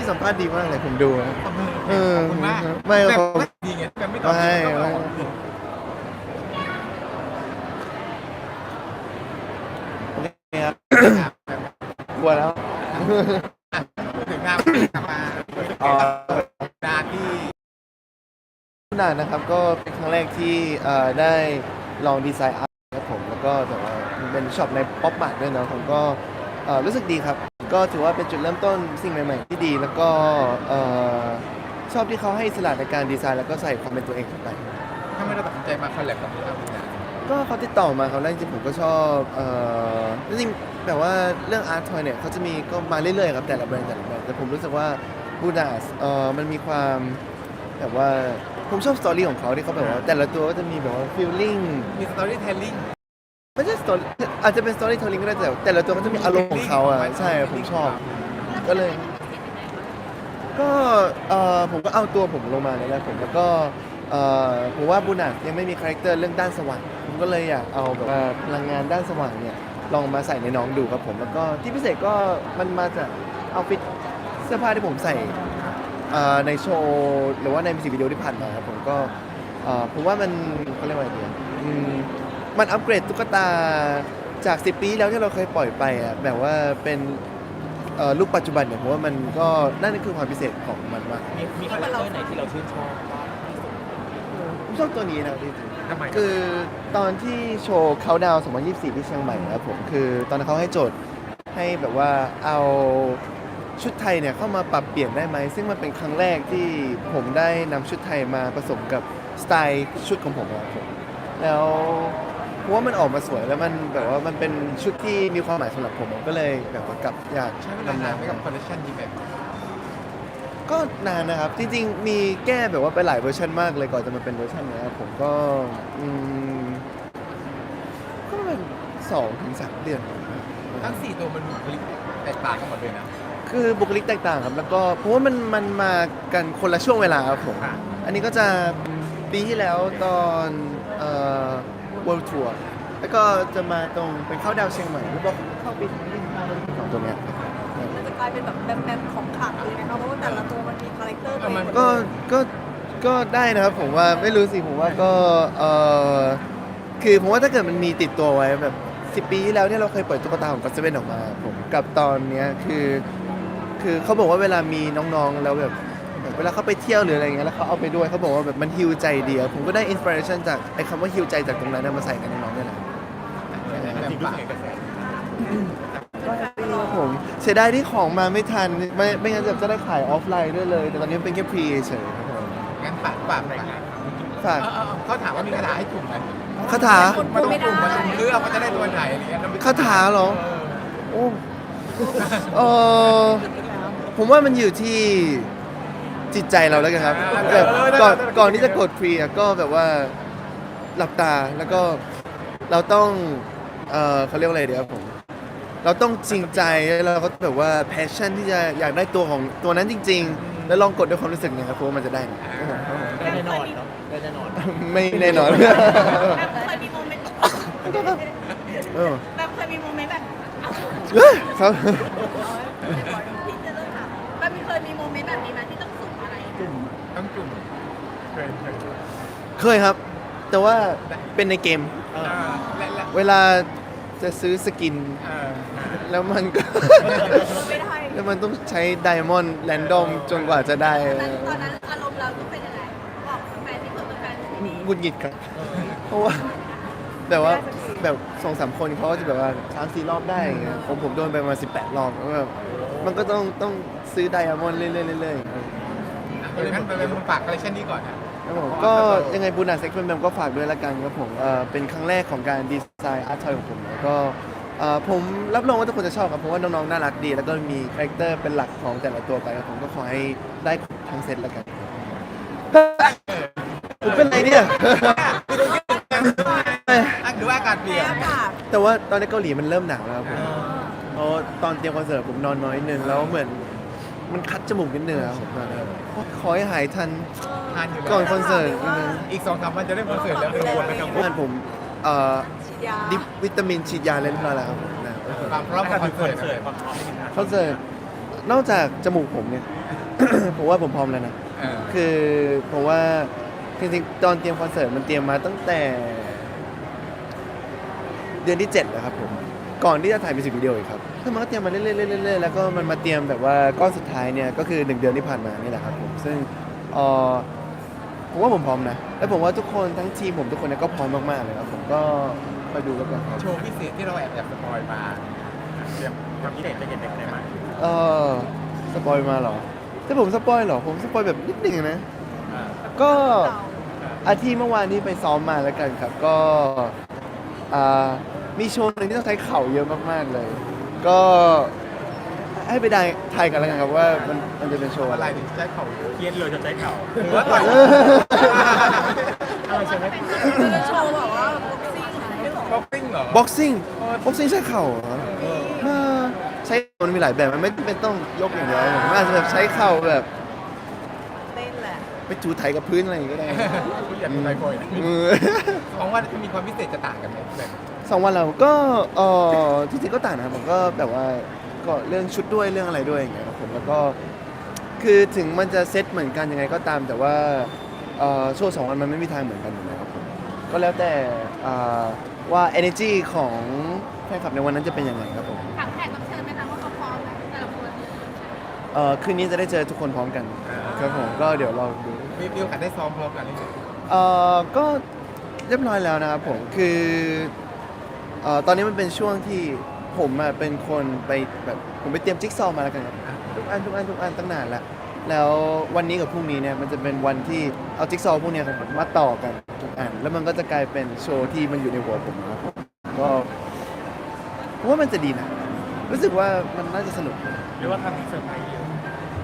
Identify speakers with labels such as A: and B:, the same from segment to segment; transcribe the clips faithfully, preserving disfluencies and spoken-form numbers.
A: พี่สัมภาษณ์ดีมากเลยผมดูนะ
B: ขอบคุณ
A: เออ
B: ขอบคุณมาก
A: ไม่
B: แบบ
A: เขา
B: ดีไงแบบไม่ตอบ
A: ไม่
B: ก็ตอบ
A: โอเคครับ
B: ครับ
A: กลัวแล้ว
B: พูดถึงงานที่กลับมา
A: อ๋อ
B: ดานที่
A: นานนะครับก็เป็นครั้งแรกที่เอ่อได้ลองดีไซน์อาร์ตครับผมแล้วก็แต่ว่ามันเป็นช็อปในป๊อปมาร์ทด้วยเนาะผมก็เอ่อรู้สึกดีครับ ก็ถือว่าเป็นจุดเริ่มต้นสิ่งใหม่ๆที่ดีแล้วก็เอ่อชอบที่เขาให้อิสระในการดีไซน์แล้วก็ใส่ความเป็นตัวเองเข้าไป
B: ถ้าไม่ได้ตัดสินใจมาคอลแลบกับเรา
A: ก็เขาติดต่อมาครับแรกจริงๆผมก็ชอบเอ่อจริงๆแบบว่าเรื่องอาร์ตทอยเนี่ยเขาจะมีก็มาเรื่อยๆครับแต่ละแบรนด์แต่ละแบรนด์แต่ผมรู้สึกว่าบูดาสเอ่อมันมีความแบบว่าผมชอบสตอรี่ของเขาที่เขาแบบว่าแต่ละตัวก็จะมีแบบว่าฟีลลิ่ง
B: มีสตอรี่เทลลิ่ง
A: ไม่ใช่สตอรี่อาจจะเป็นสตอรี่เทลลิ่งก็ได้แต่แต่ละตัวก็จะมีอารมณ์ของเขาอ่ะใช่ผมชอบ ก็เลย ก็เอ่อผมก็เอาตัวผมลงมาเลยนะผมแล้วก็เอ่อผมว่าบูนัสยังไม่มีคาแรคเตอร์เรื่องด้านสว่างผมก็เลยอยากเอาแบบว่าพลังงานด้านสว่างเนี่ยลองมาใส่ในน้องดูครับผมแล้วก็ที่พิเศษก็มันมาจากเอาฟิตเสื้อผ้าที่ผมใส่เอ่อในโชว์หรือว่าในมิวสิกวิดีโอที่ผ่านมาครับผมก็เอ่อผมว่ามันเขาเรียกว่าอะไรดีอะอืมมันอัปเกรดตุ๊กตาจากสิบปีแล้วที่เราเคยปล่อยไปอ่ะแบบว่าเป็นเอ่อลูกปัจจุบันเนี่ยผมว่ามันก็นั่นคือความพิเศษของมันมาก
C: มีมีคาแรคเตอร์ไหนที่เราชื่นชอบบ้างที่สุด
A: ผมชอบตัวนี้นะจริง
B: ทำไม
A: ๆคือตอนที่โชว์เขาดาวสองพันยี่สิบสี่ที่เชียงใหม่นะครับผมคือตอนนั้นเขาให้โจทย์ให้แบบว่าเอาชุดไทยเนี่ยเข้ามาปรับเปลี่ยนได้ไหมซึ่งมันเป็นครั้งแรกที่ผมได้นำชุดไทยมาผสมกับสไตล์ชุดของผมนะครับผมแล้วผมว่ามันออกมาสวยแล้วมันแบบว่ามันเป็นชุดที่มีความหมายสำหรับผมผมก็เลยแบบว่ากลับอยาก
B: ใช้เวลานานไหมกับคอลเลคชันนี้แบบ
A: ก็นานนะครับ จริงๆ มีแก้แบบว่าไปหลายเวอร์ชันมากเลยก่อนจะมาเป็นเวอร์ชันเนี้ยผมก็อืมก็เป็นสองถึงสามเดือน
B: ทั้งสี่ตัวมันบุคลิกแตกต่างกันหมดเลยนะ
A: คือบุคลิกแตกต่างครับ แล้วก็เพราะว่ามันมันมากันคนละช่วงเวลาครับผม
B: ค่ะ
A: อันนี้ก็จะปีที่แล้วตอนเอ่อ World Tour แล้วก็จะมาตรงเป็นเข้าดาวเชียงใหม่แล้วก็เข้าปีสองตัวเนี้ย
D: มันจะกลายเป็นแบบแบมๆของขลังเลยนะคะเพราะว่าแต่ละตัวมันมีคาแรคเตอร์ตัวเอง
A: ก็ ก็ ก็ได้นะครับผมว่าไม่รู้สิผมว่าก็เออคือผมว่าถ้าเกิดมันมีติดตัวไว้แบบสิบปีที่แล้วที่เราเคยปล่อยตุ๊กตาของก็อตเซเว่นออกมาผมกับตอนเนี้ยคือคือเขาบอกว่าเวลามีน้องๆแล้วแบบแบบเวลาเขาไปเที่ยวหรืออะไรเงี้ยแล้วเขาเอาไปด้วยเขาบอกว่าแบบมันฮิวใจดีอะผมก็ได้อินสปิเรชันจากไอ้คำว่าฮิวใจจากตรงนั้นนะมาใส่ในน้องๆนี่แหละ
B: แบบปาก
A: ผมเสียดายที่ของมาไม่ทันไม่ไม่งั้นจะได้ขายออฟไลน์ด้วยเลย แต่ตอนนี้เป็นแค่พรีเฉยๆครับผม
B: งั้นฝากฝากหน่อยนะ
A: ฝาก
B: เออเออเออเขาถามว่ามีคาถาให้จุ่มไหม
A: คาถา
B: มาต้องจุ่มมาจุ่มเลือกว่าจะได้ตัวไหนอะไรเงี้ยแล้ว
A: คาถาเหรอ โอ้เออผมว่ามันอยู่ที่จิตใจเราแล้วกันครับแบบก่อนก่อนที่จะกดฟรีอะก็แบบว่าหลับตาแล้วก็เราต้องเออเขาเรียกว่าอะไรเดี๋ยวผม เราต้องจริงใจแล้วเราก็แบบว่าแพชชั่นที่จะอยากได้ตัวของตัวนั้นจริง ๆ แล้วลองกดด้วยความรู้สึกเนี่ยครับเพราะว่ามันจะได้นะ
C: ได้แน่นอนเนาะได้แน่นอน
A: ไม่แน่นอน
D: แบบเคยมีโมเมนต์
A: เออ
D: แบบเคยมีโมเมนต์แบบ
A: ครับ
D: ที่จะเริ่มถามแบบมีเคยมีโมเมนต์แบบนี้ไหมที่ต้องสุ่มอะไร
B: ต้องจุ่มเคยเคย
A: เคยครับ แต่ว่าเป็นในเกม
B: เออและและ
A: เวลาจะซื้อสกิน
B: เออ
A: แล้วมันก็
D: ไม่ได้
A: แล้วมันต้องใช้ไดมอนด์แรนดอมจนกว่าจะได้
D: ตอนนั้นตอนนั้นอารมณ์เราต้องเป็นยังไงบอกแฟนที่เปิดเป็นแฟนที่นี่
A: หงุดหงิดครับเพราะว่าแบบว่าแบบสองสามคนเขาก็จะแบบว่าสามสี่รอบได้อย่างเงี้ยผมผมโดนไปประมาสิบแปดรอบแล้วแบบมันก็ต้องต้องซื้อไดมอนด์เรื่อยๆเรื่อยๆ
B: เพราะฉะนั้นไปเป็นฝากคอลเลคชันนี้ก่อนนะครับ
A: ผมก็ยังไงบูนาเซ็กซ์แมมก็ฝากด้วยละกันครับผมเอ่อเป็นครั้งแรกของการดีไซน์อาร์ตทอยของผมแล้วก็เอ่อผมรับรองว่าทุกคนจะชอบครับเพราะว่าน้องๆน่ารักดี แล้วก็มีคาแรคเตอร์เป็นหลักของแต่ละตัวไปครับผมก็ขอให้ได้ทั้งเซตละกันผมเป็นไรเนี่ย
B: อ่ะหรือว่าอากาศเปลี่ยน
D: อากาศ
A: แต่ว่าตอนในเกาหลีมันเริ่มหนาวแล้วครับผมเพราะตอนเตรียมคอนเสิร์ตผมนอนน้อยนิดนึงแล้วเหมือนมันคัดจมูกนิดนึงครับผมตอนนั้นขอให้หายทัน
B: ทานอยู่แล้ว
A: ก่อนคอนเสิร์ตนิดนึง
B: อีกสองสามวันจะได้คอนเสิร์ตแล้วกังวลไหมกังวล
A: งานผมเอ่อ
D: ฉีดยา
A: ดิปวิตามินฉีดยาเล่นพลาแล้วครับผมนะ
B: ความพร้อมของคอนเสิร์ต
C: ความพร้อมในการ
A: คอนเสิร์ตนอกจากจมูกผมเนี่ยผมว่าผมพร้อมแล้วนะ
B: เออ
A: คือผมว่าจริงๆตอนเตรียมคอนเสิร์ตมันเตรียมมาตั้งแต่ เดือนที่เจ็ดแล้วครับผมก่อนที่จะถ่ายมิวสิกวิดีโออีกครับคือมันก็เตรียมมาเรื่อยๆเรื่อยๆแล้วก็มันมาเตรียมแบบว่าก้อนสุดท้ายเนี่ยก็คือหนึ่งเดือนที่ผ่านมานี่แหละครับผมซึ่งเอ่อผมว่าผมพร้อมนะและผมว่าทุกคนทั้งทีมผมทุกคนเนี่ยก็พร้อมมากๆเลยครับผมก็ไปดูแล้วกันครับ
B: โชว์พิเศษที่เราแอบแอบสปอยมาเตรียมความพิเศษจะเห็นได้ไหม
A: เออสปอยมาเหรอถ้าผมสปอยเหรอผมสปอยแบบนิดหนึ่งนะ
B: อ่า
A: ก็อาทิตย์เมื่อวานนี้ไปซ้อมมาแล้วกันครับก็อ่ามีโชว์หนึ่งที่ต้องใช้เข่าเยอะมากๆเลย ก็ให้ไปได้ทายกันแล้วกันครับว่ามันมันจะเป็นโชว์
B: อะ
A: อะไร ไร
B: ถึงใช้เข่าเยอะ
C: เครียดเลยจะใช้เข่า
B: หรือว่าต่อย
C: อะไรใช่ไหม
D: คือโชว์แบบว่าบ็อกซิ่งอะไร
B: บ็อกซิ่งเหรอ
A: บ็อกซิ่งบ็อกซิ่งใช้เข่าเหรอเออใช้มันมีหลายแบบมันไม่ไม่ต้องยกอย่างเดียวผมอาจจะแบบใช้เข่าแบบ
D: เต้นแหละ
A: ไปจูไถกับพื้นอะไรอย่างเงี้ยก็ได้
B: คุณอยากเป็นไบโพลนะ
A: เออ
B: ของว่ามีความพิเศษจะต่างกันไหมแบบ
A: สองวันเราก็เออจริงๆก็ต่างนะครับผมก็แบบว่าก็เรื่องชุดด้วยเรื่องอะไรด้วยอย่างเงี้ยครับผมแล้วก็คือถึงมันจะเซตเหมือนกันยังไงก็ตาม แต่ว่าเอ่อโชว์สองวันมันไม่มีทางเหมือนกันอยู่แล้วครับผมก็แล้วแต่อ่าว่า energy ของแฟนคลับในวันนั้นจะเป็นยังไงครับผม
D: ถามแขกรับเชิญไหมคะว่าเขาพร้อมไหมแต่ละคน
A: เอ่อคืนนี้จะได้เจอทุกคนพร้อมกันครับผมก็เดี๋ยวรอดู
B: มีมีโอกาสได้ซ้อมพร้อมกันหรือเปล่า
A: เอ่อก็เรียบร้อยแล้วนะครับผมคือเอ่อตอนนี้มันเป็นช่วงที่ผมอะเป็นคนไปแบบผมไปเตรียมจิ๊กซอว์มาแล้วกันครับทุกอันทุกอันทุกอันตั้งนานแล้วแล้ววันนี้กับพรุ่งนี้เนี่ยมันจะเป็นวันที่เอาจิ๊กซอว์พวกเนี้ยครับผมมาต่อกันทุกอันแล้วมันก็จะกลายเป็นโชว์ที่มันอยู่ในหัวผมนะครับผมก็ผมว่ามันจะดีนะรู้สึกว่ามันน่าจะสนุก
C: หรือว่าทำให้เซอร์ไพรส์เยอะ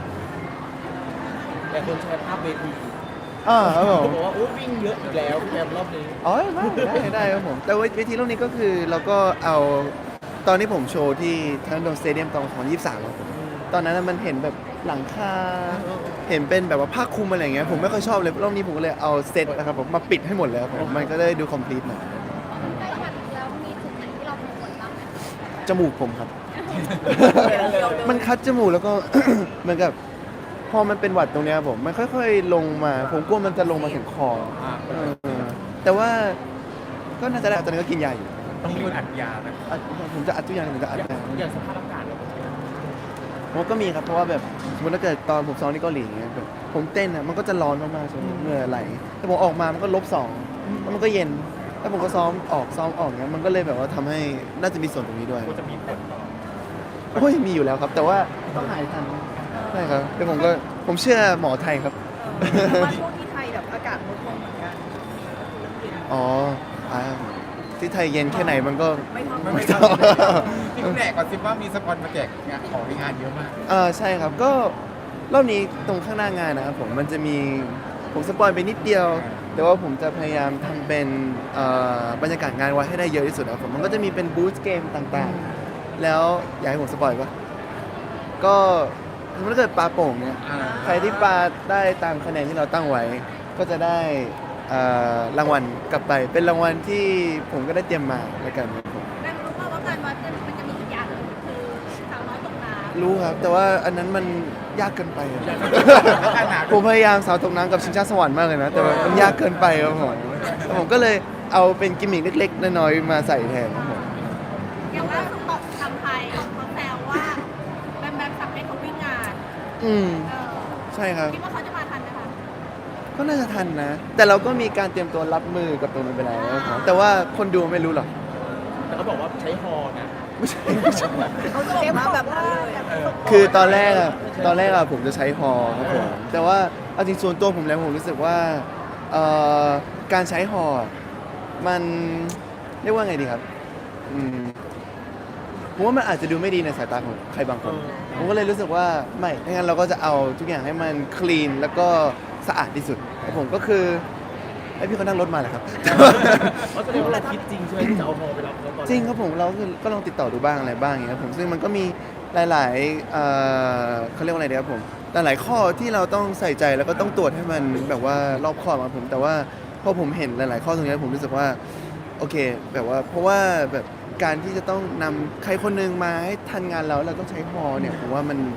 C: แต่คนแชร์ภาพเวที
A: อ่าครับผม
C: เขาบอกว่าโอ้วิ่งเยอะอีกแล้วพี่แอมรอบนี้
A: อ๋อได้ได้ได้ครับผม แต่ว่าเวทีรอบนี้ก็คือเราก็เอาตอนที่ผมโชว์ที่ทันโดสเตเดียมตอนของยี่สิบสามครับผมตอนนั้นนะมันเห็นแบบหลังคาเห็นเป็นแบบว่าผ้าคลุมอะไรอย่างเงี้ยผมไม่ค่อยชอบเลยรอบนี้ผมก็เลยเอาเซตนะครับผมมาปิดให้หมดเลยครับผมมันก็ได้ดูคอมพลีทหน่อย
D: แล้วแบบแล้วมีจุดไหนที่เราเป็นคนบ้างไหม
A: จมูกผมครับ มันคัดจมูกแล้วก็ เหมือนกับพอมันเป็นหวัดตรงเนี้ยครับผมมันค่อยๆลงมา ผมกลัวมันจะลงมาถึงคอ
B: อ่า
A: เออแต่ว่าก็น่าจะได้ตอนนี้ก็กินยาอยู่
B: ต้องมีคนอัดยาไหม
A: อัดผมจะอัดทุกอย่างผมจะอัดยา
C: อย่างสภาพอากาศเราเป็นไง
A: ผมก็มีครับเพราะว่าแบบสมมติถ้าเกิดตอนผมซ้อมที่เกาหลีอย่างเงี้ยแบบผมเต้นอ่ะมันก็จะร้อนมากๆใช่ไหมเหงื่อไหลแต่ผมออกมามันก็ลบสองแล้วมันก็เย็นแล้วผมก็ซ้อมออกซ้อมออกเงี้ยมันก็เลยแบบว่าทำให้น่าจะมีส่วนตรงนี้ด้วย
C: ก็จะมีผลต่อ
A: โอ้ยมีอยู่แล้วครับ แต่ว่าต้องหายทันใช่ครับแต่ผมก็ผมเชื่อหมอไทยครับ
D: เพราะว่าช่วงที่ไทยแบบอากาศลดลงเหมือนกัน
A: อ๋ออ่าที่ไทยเย็นแค่ไหนมันก็
D: ไม่เท่า
B: ไม่
D: ไม่
B: ไม่
D: เท่า
B: ทำที่คุณแหลกก่อนสิว่ามีสปอนมาแจกงานของในงานเยอะมาก
A: เออใช่ครับก็รอบนี้ตรงข้างหน้างานนะครับผมมันจะมีผมสปอยไปนิดเดียว แต่ว่าผมจะพยายามทำเป็นเอ่อบรรยากาศงานไว้ให้ได้เยอะที่สุดนะครับผมมันก็จะมีเป็นบูธเกมต่างๆ แล้วอยากให้ผมสปอยปะก็สมมติถ้าเกิดปลาโป่งเนี่ย
B: อ่า
A: ใครที่ปาได้ตามคะแนนที่เราตั้งไว้ ก็จะได้เอ่อรางวัลกลับไป เป็นรางวัลที่ผมก็ได้เตรียมมาแล้วกันครับผม
D: ได้รู้ป่าวว่าการวัดเนี่ยมันจะมีอีกอย่างหนึ่งคือสาวน้อยตกน้ำ
A: รู้ครับ แต่ว่าอันนั้นมันยากเกินไปอะ
B: ขนาด
A: ผมพยายามสาวตกน้ำกับชิงช้าสวรรค์มากเลยนะ แต่ว่ามันยากเกินไปครับผมแล้วผมก็เลยเอาเป็นกิมมิคเล็กๆน้อยๆมาใส่แทนครับผม
D: อย่างล่าสุดบอกทำไทยเขาแซวว่าแบมแบมสั่งให้เขาวิ่งงาน
A: อืม
D: เออ
A: ใช่ครับ
D: คิดว่าเขาจะมาทันไหมคะ
A: ก็น่าจะทันนะ แต่เราก็มีการเตรียมตัวรับมือกับตรงนั้นไปแล้วครับแต่ว่าคนดูไม่รู้หรอก
C: แต่เขาบอกว่าใช้ฮอนะ
A: ไม่ใช่ไม่ใช่
D: เขาเก็บมาแบบนั้นเลยอะ
A: คือตอนแรกอะตอนแรกอะผมจะใช้ฮอครับผมแต่ว่าเอาจริงส่วนตัวผมแล้วผมรู้สึกว่าเอ่อการใช้ฮอมันเรียกว่าไงดีครับอืมผมว่ามันอาจจะดูไม่ดีในสายตาของใครบางคน ผมก็เลยรู้สึกว่าไม่ถ้างั้นเราก็จะเอาทุกอย่างให้มันคลีนแล้วก็สะอาดที่สุดแล้วผมก็คือไอยพี่เขานั่งรถมาแหละครับ
C: เขาแสดงว่าเราคิดจริงใช่ไหมที่จะเอาฮอไปรับเขาตอนแก
A: จริงครับผมเราคือก็ลองติดต่อดูบ้างอะไรบ้างอย่างเงี้ยครับผมซึ่งมันก็มีหลายๆเอ่อเขาเรียกว่าอะไรดีครับผมหลายๆข้อที่เราต้องใส่ใจแล้วก็ต้องตรวจให้มันแบบว่ารอบคอบครับผมแต่ว่าพอผมเห็นหลาย ๆ ข้อตรงเนี้ยผมรู้สึกว่าโอเคแบบว่าเพราะว่าแบบการที่จะต้องนำใครคนหนึงมาให้ทันงานเราเราต้องใช้ฮอเนี่ยผมว่ามัน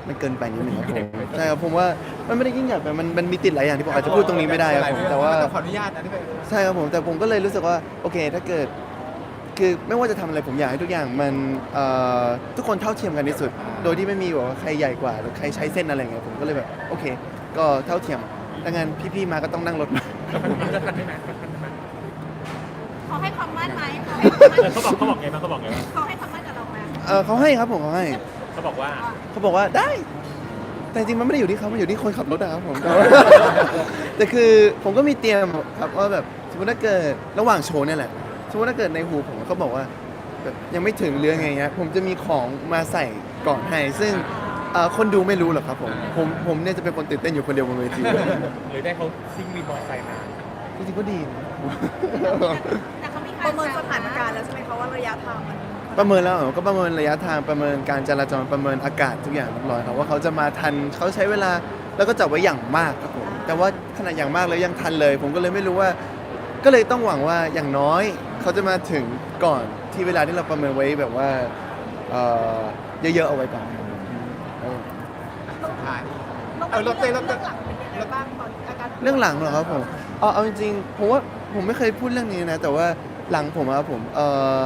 A: มันเกินไปนิดนึงครับผมใช่ครับผมว่ามันไม่ได้ยิ่งใหญ่ไปมันมันมีติดหลายอย่างที่ผมอาจจะพูดตรงนี้ไม่ได้ครับผมแต่ว่า
B: ต้องขออนุญาตนะที่เป็น
A: ใช่ครับผมแต่ผมก็เลยรู้สึกว่าโอเคถ้าเกิดคือไม่ว่าจะทำอะไรผมอยากให้ทุกอย่างมันเอ่อทุกคนเท่าเทียมกันที่สุด โดยที่ไม่มีแบบว่าใครใหญ่กว่าหรือใครใช้เส้นอะไรอย่างเงี้ยผมก็เลยแบบโอเค ก็เท่าเทียมดังนั้นพี่ๆมาก็ต้องนั่งรถมา
B: จะทันได้ไหม
D: เขาให้ความมั่นไหมเขาให้ความมั่น
C: เขาบอกเขาบอกไงบ้างเขาบอกไงบ้าง
D: เขาให้ความมั่นกับเราไหม
A: เออเขาให้ครับผมเขาให้
C: เขาบอกว่า
A: เขาบอกว่าได้ แต่จริงๆมันไม่ได้อยู่ที่เขามันอยู่ที่คนขับรถนะครับผม แต่ว่าแต่คือผมก็มีเตรียมครับว่าแบบสมมติถ้าเกิดระหว่างโชว์เนี่ยแหละสมมติถ้าเกิดในหูผมเขาบอกว่าแบบยังไม่ถึงเรื่องไงเงี้ยผมจะมีของมาใส่ก่อนให้ ซึ่งเอ่อคนดูไม่รู้หรอกครับผมผมผมเนี่ยจะเป็นคนตื่นเต้นอยู่คนเดียวบนเวที
C: หรือได้เขาซิ่งมีมอเตอร์ไซค์มา
A: จริงๆก็ดีนะ
D: แต่เขามี
E: ประเมินสถานการณ์แล้วใช่ไหมคะว่าระยะทางมัน
A: ประเมินแล้วเหรอก็ประเมินระยะทางประเมินการจราจรประเมินอากาศทุกอย่างเรียบร้อยครับว่าเขาจะมาทันเขาใช้เวลาแล้วก็จับไว้อย่างมากครับผมแต่ว่าขนาดอย่างมากแล้วยังทันเลย ผมก็เลยไม่รู้ว่า ก็เลยต้องหวังว่าอย่างน้อยเขาจะมาถึงก่อนที่เวลาที่เราประเมินไว้แบบว่าเอ่อเยอะๆเอาไว้ก่อนเออ
B: สุดท้าย
E: ต้อง
B: เออรถเต้นรถเต้น
E: หลังเป็นยังไงบ้างตอนอาการ
A: เรื่องหลังเหรอครับผมเอาเอาจริงๆผมว่าผมไม่เคยพูดเรื่องนี้นะ แต่ว่าหลังผมอะครับผมเอ่อ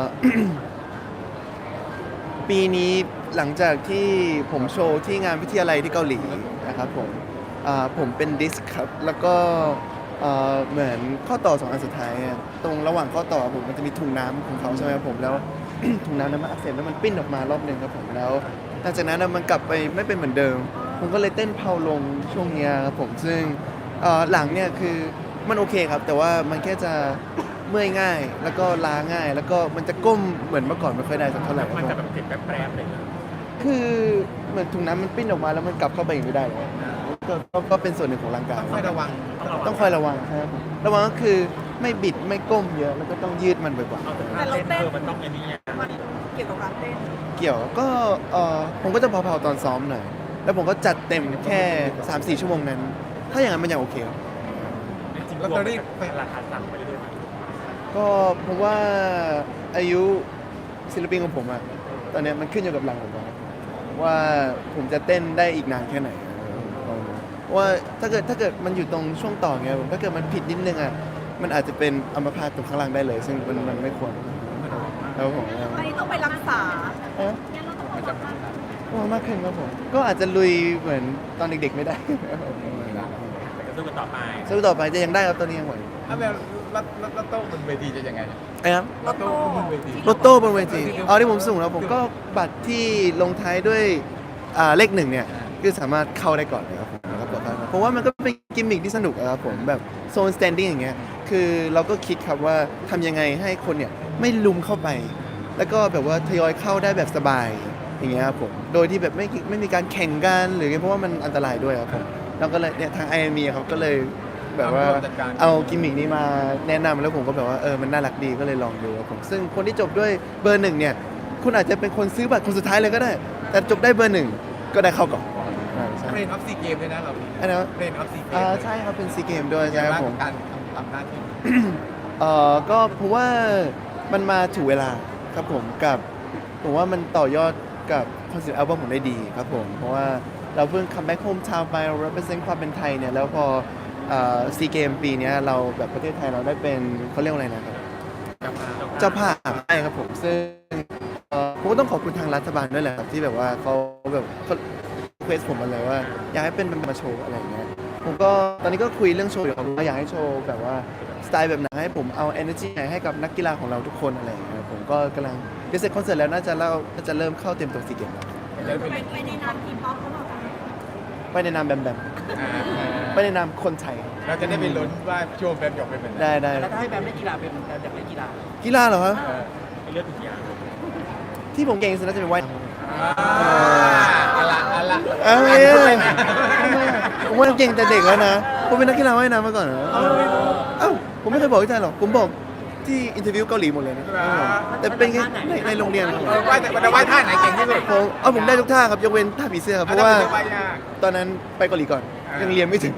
A: ปีนี้หลังจากที่ผมโชว์ที่งานวิทยาลัยที่เกาหลีนะครับผมอ่าผมเป็นดิสก์ครับ แล้วก็เอ่อเหมือนข้อต่อสองอันสุดท้ายอะตรงระหว่างข้อต่อผมมันจะมีถุงน้ำของเขาใช่ไหมครับผมแล้ว ถุงน้ำนั้นมันอักเสบแล้วมันปิ้นออกมารอบหนึ่งครับผมแล้วหลังจากนั้นอะมันกลับไปไม่เป็นเหมือนเดิม ผมก็เลยเต้นเพาลงช่วงเนี้ยครับผมซึ่งเอ่อหลังเนี่ยคือมันโอเคครับ แต่ว่ามันแค่จะเมื่อยง่าย แล้วก็ล้าง่าย แล้วก็มันจะก้มเหมือนเมื่อก่อนไม่ค่อยได้สักเท่าไหร่ครับ
C: มัน
A: ผม
C: จะแบบเจ็บแป๊บๆเลยนะ
A: คือเหมือนถุงน้ำมันปิ้นออกมาแล้วมันกลับเข้าไปอีกไม่ได้เลยก็ก็ก็เป็นส่วนหนึ่งของร่างกาย
B: ค่อยระวัง
A: ต้องคอยระวังครับผมระวังก็คือไม่บิดไม่ก้มเยอะแล้วก็ต้องยืดมันบ่อย
C: เอาแต่ท่าเต้นเออมันต้องไอ้นี่ไง
E: มันเกี่ยวกับการเต้น
A: ๆเกี่ยวก็เออผมก็จะเผาๆตอนซ้อมหน่อยแล้วผมก็จัดเต็มแค่ สามสี่ ชั่วโมงนั้น ถ้าอย่างนั้นมันยังโอเค
C: จริงๆรวมเป็นราคาสั่งไปเรื่อย
A: ก็ผมว่าอายุศิลปินของผมอะตอนเนี้ยมันขึ้นอยู่กับหลังผมอะว่าผมจะเต้นได้อีกนานแค่ไหนเพราะว่าถ้าเกิดถ้าเกิดมันอยู่ตรงช่วงต่อเงี้ยผมถ้าเกิดมันผิดนิดนึงอะมันอาจจะเป็นอัมพาตตรงข้างล่างได้เลย ซึ่งมันมันไม่ควรแล้วผม
E: อันนี้ต้องไปรักษา
A: เอ๊ะ
D: งั้นเราต้องระวังมาก
A: ว่ามากขึ้นครับผมก็อาจจะลุยเหมือนตอนเด็กๆไม่ได้
C: ๆแต่ก็สู้กันต่อไป
A: สู้ต่อไปจะยังได้ครับตอนนี้ยังไหว
B: ถ้าแบบรถรถรถโต้บนเวทีจะยังไง
A: ไอ้ครับ
B: รถโต้บนเวที
A: รถโต้บนเวทีเอาที่ผมสูงแล้วผมก็บัตรที่ลงท้ายด้วยอ่าเลขหนึ่งเนี่ยคือสามารถเข้าได้ก่อนเลยครับผมแล้วก็ปลอดภัยครับเพราะว่ามันก็เป็นกิมมิคที่สนุกอะครับผมแบบโซนสแตนดิ้งอย่างเงี้ยคือเราก็คิดครับว่าทำยังไงให้คนเนี่ยไม่ลุมเข้าไป แล้วก็แบบว่าทยอยเข้าได้แบบสบายอย่างเงี้ยครับผมโดยที่แบบไม่ไม่มีการแข่งกันหรือไงเพราะว่ามันอันตรายด้วยครับผมเราก็เลยเนี่ยทางไอเอ็มเขาก็เลยแบบว่าเอากิมมิคนี้มาแนะนำแล้วผมก็แบบว่าเออมันน่ารักดีก็เลยลองดูครับผมซึ่งคนที่จบด้วยเบอร์หนึ่งเนี่ยคุณอาจจะเป็นคนซื้อบัตรคนสุดท้ายเลยก็ได้ แต่จบได้เบอร์หนึ่งก็ได้เข้าก่อนอ่าใช่
B: เรนออฟซีเกมด้วยนะเรา
A: อันนั้น
B: เรนออฟซีเกม
A: อ่าใช่ครับเป็นซีเกมด้วยใช่ครับผม
B: การทำหน้าที่
A: เอ่อก็ผมว่ามันมาถูกเวลาครับผมกับผมว่ามันต่อยอดกับคอนเสิร์ตอัลบั้มผมได้ดีครับผมเพราะว่าเราเพิ่งคัมแบ็กโฮมทาวน์ไปเรา represent ความเป็นไทยเนี่ยแล้วพอซีเกมปีเนี้ยเราแบบประเทศไทยเราได้เป็นเขาเรียกว่าอะไรนะครับเจ้าภาพใช่ครับผมซึ่งเอ่อผมก็ต้องขอบคุณทางรัฐบาลด้วยแหละครับที่แบบว่าเขาแบบเขาเควสผมมาเลยว่าอยากให้เป็นมาโชว์อะไรอย่างเงี้ยผมก็ตอนนี้ก็คุยเรื่องโชว์อยู่ครับว่าอยากให้โชว์แบบว่าสไตล์แบบไหนให้ผมเอา energy ไหนให้กับนักกีฬาของเราทุกคนอะไรอย่างเงี้ยผมก็กำลังเดี๋ยวเสร็จคอนเสิร์ตแล้วน่าจะเล่าน่าจะเริ่มเข้าเตรียมตัวซีเกมแล้ว
D: ไปไปในนามทีมป๊อปเขาบอกกัน
A: ไปในนามแบมแบมไปในนามคนไทย
B: เราจะได้ไปลุ้นว่าโชว์แบบหยกเป็นแบบไหน
A: ได้ได้
C: แล้วถ้าให้แบมเล่นกีฬาเป็นแบมอยากเล่นกีฬา
A: กีฬาเหรอครับ
B: เออ
C: ให้เลือกทุกอย่าง
A: ที่ผมเก่งที่สุดน่าจะเป็นว่ายน้
B: อ่าเอาละเอาละ
A: ำเอ้ยทำไมอะผมว่าเก่งแต่เด็กแล้วนะผมเป็นนักกีฬาว่ายน้ำมาก่อนเหรอเอ้าผมไม่เคยบอกที่ไทยหรอกผมบอกที่อินเทอร์วิวเกาหลีหมดเลยนะแต่เป็นแค่ในในโรงเรียนครับผม
B: เออว่าแต่แต่ว่าท่าไหนเก่งที่สุด
A: ผมเอาผมได้ทุกท่าครับยกเว้นท่าผีเสื้อครับเพราะว่า
B: อันนั้นเป็นว่ายาก
A: ตอนนั้นไปเกาหลีก่อน
B: อ่ายั
A: ยังเรียนไม่ถึง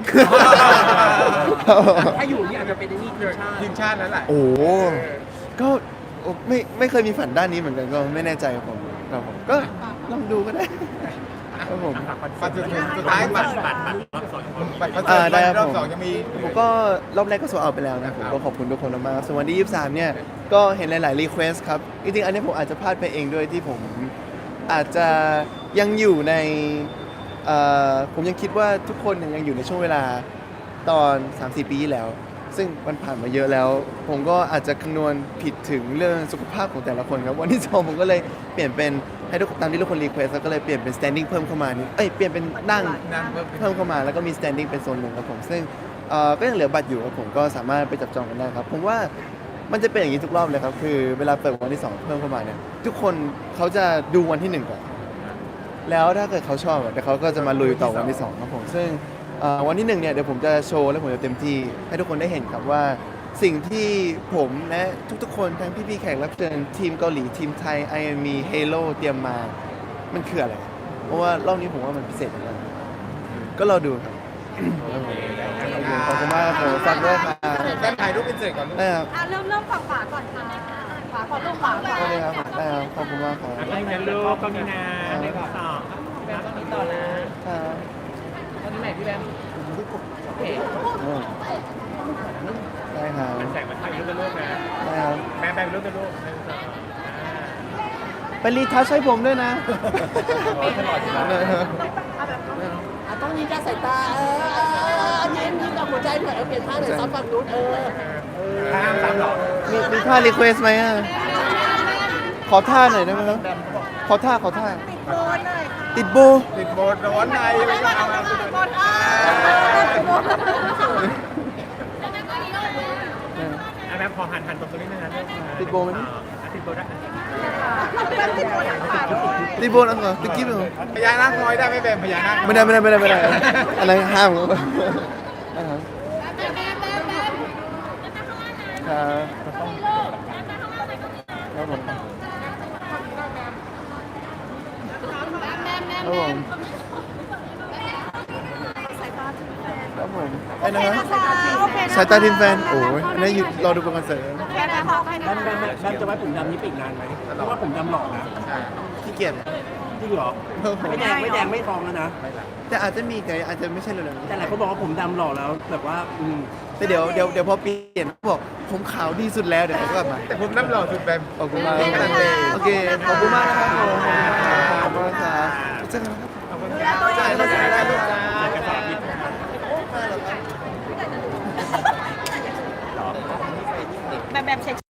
C: ถ้าอยู่นี่อาจจะเป็นนี่ทีมชาติ
B: ทีมชาตินั้นแหละ
A: โอ้โหก็โอ้ไม่ไม่เคยมีฝันด้านนี้เหมือนกันก็ไม่แน่ใจครับผมครับผมก็ลองดูก็ได้
C: อ
A: ครับผม
B: บัตรสุดสุดท้ายบัตรบัตรบัตรรอบสองบัตรคอนเสิ
A: อ่า
B: ร์ต
A: ได้ครับ
B: รอบ
A: ผม
B: สองยังมี
A: ผมก็รอบแรกก็โซเอาไปแล้วนะผมก็ขอบคุณทุกคนมากๆส่วนวันที่ยี่สิบสามเนี่ยก็เห็นหลายๆรีเควสครับจริงๆอันนี้ผมอาจจะพลาดไปเองด้วยที่ผมอาจจะยังอยู่ในเอ่อผมยังคิดว่าทุกคนเนี่ยยังอยู่ในช่วงเวลาตอน สามสี่ ปีที่แล้ว ซึ่งมันผ่านมาเยอะแล้ว ผมก็อาจจะคำนวณผิดถึงเรื่องสุขภาพของแต่ละคนครับวันที่สองผมก็เลยเปลี่ยนเป็นให้ทุกตามที่ทุกคนรีเควสแล้วก็เลยเปลี่ยนเป็น standing เพิ่มเข้ามานิดเอ้ยเปลี่ยนเป็นนั่ง
B: นั่งเพิ่ม
A: เพิ่มเข้ามาแล้วก็มี standing เป็นโซนหนึ่งครับผมซึ่งเอ่อก็ยังเหลือบัตรอยู่ครับผมก็สามารถไปจับจองกันได้ครับผมว่ามันจะเป็นอย่างนี้ทุกรอบเลยครับคือเวลาเปิดวันที่สองเพิ่มเข้ามาเนี่ยทุกคนเขาจะดูวันที่หนึ่งก่อนแล้วถ้าเกิดเขาชอบอะเดี๋ยวเขาก็จะมาลุยต่อวันที่สองครับผมซึ่งเอ่อวันที่หนึ่งเนี่ยเดี๋ยวผมจะโชว์และผมจะเต็มที่ให้ทุกคนได้เห็นครับว่าสิ่งที่ผมและทุกๆคนทั้งพี่ๆแขกรับเชิญทีมเกาหลีทีมไทย ไอ เอ็ม อี Halo เตรียมมามันคืออะไรเพราะว่ารอบนี้ผมว่ามันพิเศษมากก็รอดูครับ ขอบคุณมากครับผมฝากด้วยครับ
B: แฟนถ่ายรูปเป็นเสร็จก่อนลูก
A: ได้ครับ
D: อ่ะเริ่มเริ่มฝั่งขวาก่อนค่ะขวาก่อนลูกขวาก่อน
A: ได้เลยครับได้ครับขอบคุณมากครับ
C: ให้งั้นลูกต้องมีนาในข้อสอบแบมต้องมีต่อนะครับ ตอนนี้ไหนพี่แบมโอเค
A: อืมได้ครับ
C: แสงมาถ่ายรูปเป็นรูปนะ
A: ได้ครับ
C: แบมแบมรูปเป็นรูปหนึ่งสองอ่า
A: ไปรีทัชให้ผมด้วยนะ
C: โอ้ยตลอดอยู่แล้ว
A: ได้ครับ
F: อ่ะต้องยิ้มกับสายตา เออเออเออยิ้มยิ้มกับหัวใจหน่อยเอาเปลี่ยนท่าหน่อยซ้อมฝั่งนู้นเออ
C: ห้ามซ้ำหรอ
A: มีมีท่ารีเควสไหมอ่ะขอท่าหน่อยได้ไหมครับขอท่าขอท่า
E: โดนหน่อยค่ะ
A: ติดโบ
B: ติดโบนร้อนในไม่ก็เอามา
E: โดนอ่ะ
C: อ่ะแบมพอหันหันตรงนี้นะลูก
A: ติดโบไหม
C: อ่ะติดโบได้
E: แบบติดโดนขาด้วย
A: ติดโบนะเหรอติดกิ๊บเหรอ
B: พญานาคน้อยได้ไหมแบมพญานาค
A: ไม่ได้ไม่ได้ไม่ได้ไม่ได้อะไรห้ามครับอ่าครับครับครับผมครับผมครับผมไอ้นะครับ
E: โอเคนะ
A: สายตาทีมแฟน โอ้ยอันนี้อยู่รอดูประกันเสริม
E: แค่นั้นพอให้
F: แบ
E: นะ
F: มแบมแบมแบมจะไว้ผมดำนี้ไปอีกนานไหมเพราะว่าผมดำหล่อนะ
B: ใช่
A: ขี้เกียจ
F: จริงเหรอ ไม่แดงไม่แดงไม่ทองแล้วนะ
A: แต่อาจจะมีแต่อาจจะไม่ใช่เร็วๆนี้
F: แต่หลายคนบอกว่าผมดำหล่อแล้วแบบว่าอืม
A: แต่เดี๋ยวเดี๋ยวเดี๋ยวพอเปลี่ยนเขาบอกผมขาวดีสุดแล้วเดี๋ยวเขาก็มา
B: แต่ผมน้ำหล่อสุดแบม
A: ขอบคุณมาก
B: นี่กำลังเลย
A: โอเคขอบคุณมากนะครับผมขอบคุณมากครับเจอกันครับ
C: ขอบคุณ
E: ดูแลตัวเอง
B: ได้ได้ได้ลูก
C: เจอกันต่อพี่
E: แบบแบบเช็ค